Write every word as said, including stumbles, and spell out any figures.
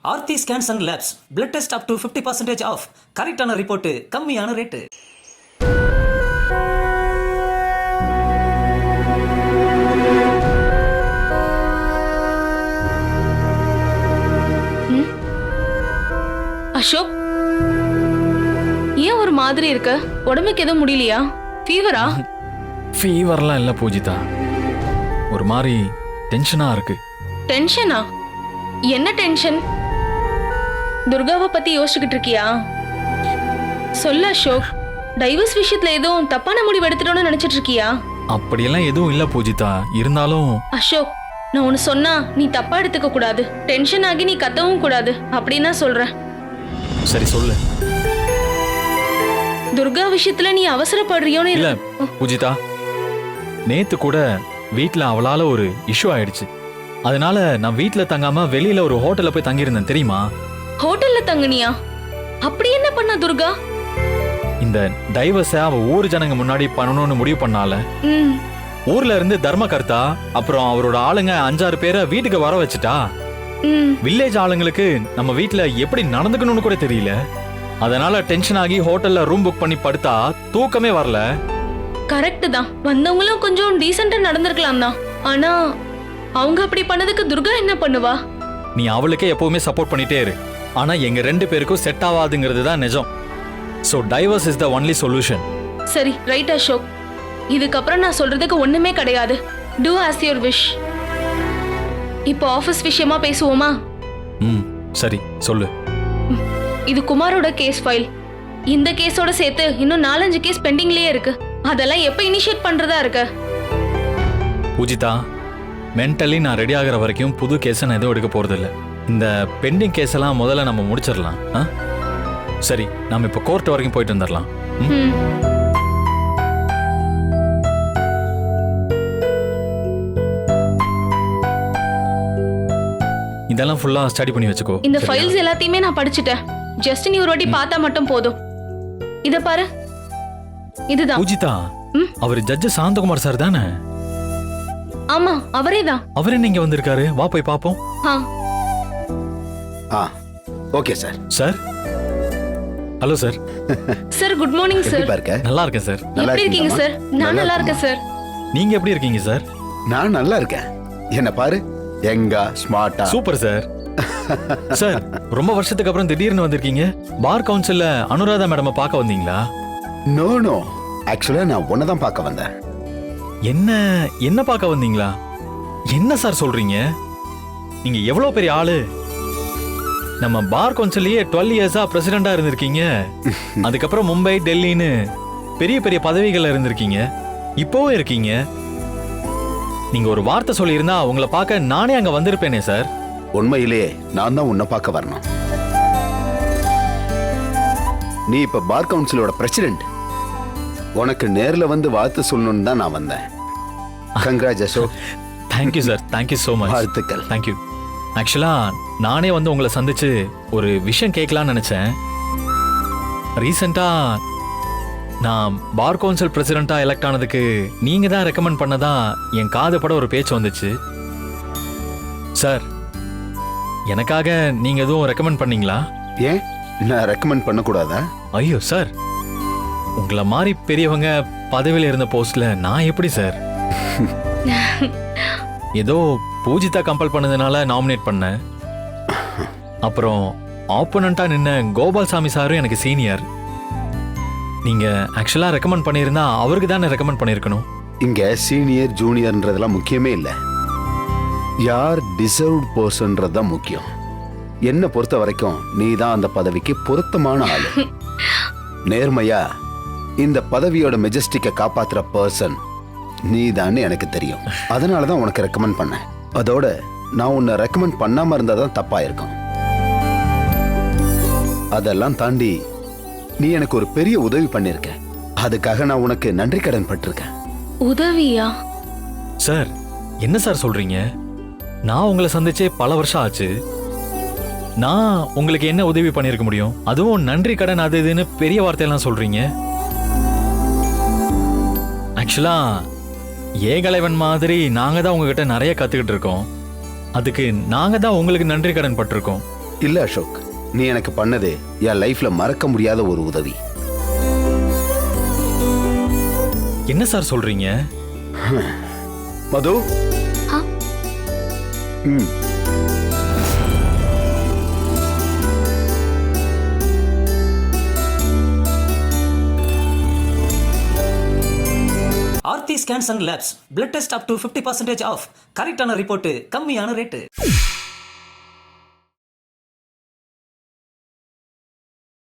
Aarthi scans and labs blood test up to fifty percentage off. கரெக்டான report, கம்மியான rate. Ashok, ஏன் ஒரு மாதிரி இருக்க? உடம்புக்கு எதுவும் முடியலையா? ஃபீவரா? ஃபீவர்லாம் இல்லை பூஜிதா, ஒரு மாதிரி டென்ஷனா இருக்கு. டென்ஷனா? என்ன டென்ஷன்? துர்காவை பத்தி யோசிச்சுக்கிட்டு இருக்கியா? சொல்ல அசோக், டைவர்ஸ் விஷயத்துல எதுவும் தப்பான முடிவு எடுத்துட்டோன்னு நினைச்சிட்டு இருக்கியா? அப்படியெல்லாம் எதுவும் இல்லை பூஜிதா, இருந்தாலும் அசோக், நான் ஒன்னு சொன்னா நீ தப்பா எடுத்துக்க கூடாது. டென்ஷன் ஆகி நீ கத்தவும் கூடாது அப்படின்னா சொல்றேன். சரி சொல்லு. துர்கா விஷயத்துல நீ அவசரப்படுறியோன்னு இல்ல பூஜிதா, நேத்து கூட வீட்ல அவளால ஒரு இஷ்யூ ஆயிடுச்சு. அதனால நான் வீட்ல தங்காம வெளியில ஒரு ஹோட்டல்ல போய் தங்கியிருந்தேன் தெரியுமா? ஹோட்டல்ல தங்குனியா? அப்படி என்ன பண்ண துர்கா? இந்த டைவர்ஸ அவ ஊர் ஜனங்க முன்னாடி பண்ணணும்னு முடிவு பண்ணால. ம். ஊர்ல இருந்து தர்மகர்த்தா அப்புறம் அவரோட ஆளுங்க அஞ்சாறு பேரை வீட்டுக்கு வர வச்சுட்டா. ம். வில்லேஜ் ஆளுங்களுக்கு நம்ம வீட்ல எப்படி நடந்துக்கணும்னு கூட தெரியல. அதனால டென்ஷன் ஆகி ஹோட்டல்ல ரூம் புக் பண்ணி படுத்தா தூக்கமே வரல. கரெக்ட் தான், வந்தவங்களும் கொஞ்சம் டீசெண்டா நடந்திருக்கலாம் தான். ஆனா அவங்க அப்படி பண்ணதுக்கு துர்கா என்ன பண்ணுவா? நீ அவளுக்கே எப்பவுமே சப்போர்ட் பண்ணிட்டே இரு. ஆனா எங்க ரெண்டு பேருக்கும் செட் ஆகாதுங்கிறது தான் நிஜம். So divorce is the only solution. சரி, ரைட் அசோக். இதுக்கப்புறம் நான் சொல்றதுக்கு ஒண்ணுமே கிடையாது. Do as your wish. இப்போ ஆபீஸ் விஷயமா பேசுவோமா? ம் சரி சொல்லு. இது குமாரோட கேஸ் ஃபைல். இந்த கேஸோட சேர்த்து இன்னும் நாலஞ்சு கேஸ் பெண்டிங்லயே இருக்கு. அதெல்லாம் எப்ப இனிஷியேட் பண்றதா இருக்கு? பூஜிதா, மென்டலி நான் ரெடி ஆகிற வரைக்கும் புது கேஸை நான் எதுவும் எடுக்க போறதில்ல. இந்த பெண்டிங் கேஸ் எல்லாம் முதல்ல நம்ம முடிச்சிடலாம். ஆ சரி, நம்ம இப்போ கோர்ட் வரைக்கும் போயிட்டு வந்துடலாம். ம். இதெல்லாம் ஃபுல்லா ஸ்டடி பண்ணி வச்சுக்கோ. இந்த சரியா? ஃபைல்ஸ் எல்லாத்தையுமே நான் படிச்சுட்டேன். ஜஸ்ட் நீ ஒரு வாட்டி பார்த்தா மட்டும் போதும். இத பாரு, இதுதான். பூஜிதா, ம்? அவர் ஜட்ஜ் சாந்தகுமார் சார் தானே? ஆமா, அவரே தான். அவர் என்ன இங்க வந்திருக்காரு? வா போய் பாப்போம். ஆ. ஆ okay sir. Sir, hello sir. Sir, good morning sir. எப்படி இருக்க? நல்லா இருக்கேன் சார். நல்லா எப்படி இருக்கீங்க சார்? இருக்கீங்களாம்மா? நான் நல்லா நல்லா இருக்கேன் சார். நீங்க எப்படி இருக்கீங்க சார்? நான் நல்லா இருக்கேன். என்ன பாரு, எங்கா ஸ்மார்ட்டா. Super sir. சார், ரொம்ப வருஷத்துக்கு அப்புறம் திடீர்னு வந்திருக்கீங்க. பார் கவுன்சில்ல அனுராதா மேடம் பார்க்க வந்தீங்களா? நோ நோ, ஆக்சுவலா நான் உன்னை தான் பார்க்க வந்தேன். என்ன என்ன பார்க்க வந்தீங்களா? என்ன சார் சொல்றீங்க? நீங்க எவ்வளவு பெரிய ஆளு. நம்ம பார் கவுன்சில்லயே டுவெல் இயர்ஸா பிரசிடெண்டா இருந்திருக்கீங்க. அதுக்கப்புறம் மும்பை, டெல்லின்னு பெரிய பெரிய பதவிகள்ல இருந்திருக்கீங்க. இப்போவும் இருக்கீங்க. நீங்க ஒரு வார்த்தை சொல்லியிருந்தா உங்களை பார்க்க நானே அங்க வந்திருப்பேனே சார். உண்மையிலேயே நான் தான் உன்னை பார்க்க வரணும். நீ இப்ப பார் கவுன்சிலோட பிரசிடென்ட். உனக்கு நேர்ல வந்து வாழ்த்து சொல்லணும்னு தான் நான் வந்தேன். Congrats Ashok. Thank you sir, thank you so much. வாழ்த்துக்கள். தேங்க்யூ. ஆக்சுவலா நானே வந்து உங்களை சந்திச்சு ஒரு விஷயம் கேட்கலான்னு நினைச்சேன். ரீசெண்டா நான் பார் கவுன்சில் பிரசிடென்டா எலெக்ட் ஆனதுக்கு நீங்க தான் ரெக்கமெண்ட் பண்ணதா என் காது பட ஒரு பேச்சு வந்துச்சு. சார், எனக்காக நீங்க எதுவும் ரெக்கமெண்ட் பண்ணீங்களா? ஏன் நான் ரெக்கமெண்ட் பண்ணக்கூடாதா? ஐயோ சார், உங்களை மாதிரி பெரியவங்க பதவியில் இருந்த போஸ்ட்ல நான் எப்படி சார்? ஏதோ பூஜிதா கம்பல் பண்ணதுனால நாமினேட் பண்ணேன். அப்புறம் ஆப்போனண்டா நின்ன கோபால்சாமி சாரும் எனக்கு சீனியர். நீங்க ஆக்சுவலா ரெக்கமெண்ட் பண்ணியிருந்தா அவருக்கு தானே ரெக்கமெண்ட் பண்ணியிருக்கணும். இங்க சீனியர் ஜூனியர்ன்றதெல்லாம் முக்கியமே இல்லை. யார் டிசர்வ்ட் பர்சன்றது தான் முக்கியம். என்ன பொறுத்த வரைக்கும் நீ தான் அந்த பதவிக்கு பொருத்தமான ஆளு. நேர்மையா இந்த பதவியோட மெஜஸ்டிக்கை காப்பாத்துற பர்சன் நீ தான் எனக்கு தெரியும். அதனால தான் உனக்கு ரெக்கமெண்ட் பண்ணேன். அதோட நான் உன்னை ரெக்கமெண்ட் பண்ணாம இருந்தா தான் தப்பா இருக்கும். அதெல்லாம் தாண்டி நீ எனக்கு ஒரு பெரிய உதவி பண்ணிருக்க. அதுக்காக நான் உனக்கு நன்றி கடன் பட்டிருக்கேன். உதவியா? சார், என்ன சார் சொல்றீங்க? நான் உங்களை சந்திச்சே பல வருஷம் ஆச்சு. நான் உங்களுக்கு என்ன உதவி பண்ணிருக்க முடியும்? அதுவும் நன்றி கடன் அது இதுன்னு பெரிய வார்த்தையெல்லாம் சொல்றீங்க. ஆக்சுவலா ஏகலைவன் மாதிரி நாங்க தான் உங்ககிட்ட நிறைய கத்துக்கிட்டு இருக்கோம். அதுக்கு நாங்க தான் உங்களுக்கு நன்றி கடன் பட்டிருக்கோம். இல்ல அசோக், நீ எனக்கு பண்ணது என் லைஃப்ல மறக்க முடியாத ஒரு உதவி. என்ன சார் சொல்றீங்க? மது. ஆ? ம். Aarthi scans and labs blood test up to fifty percentage off கரெக்டான ரிப்போர்ட் கம்மியான ரேட்டு.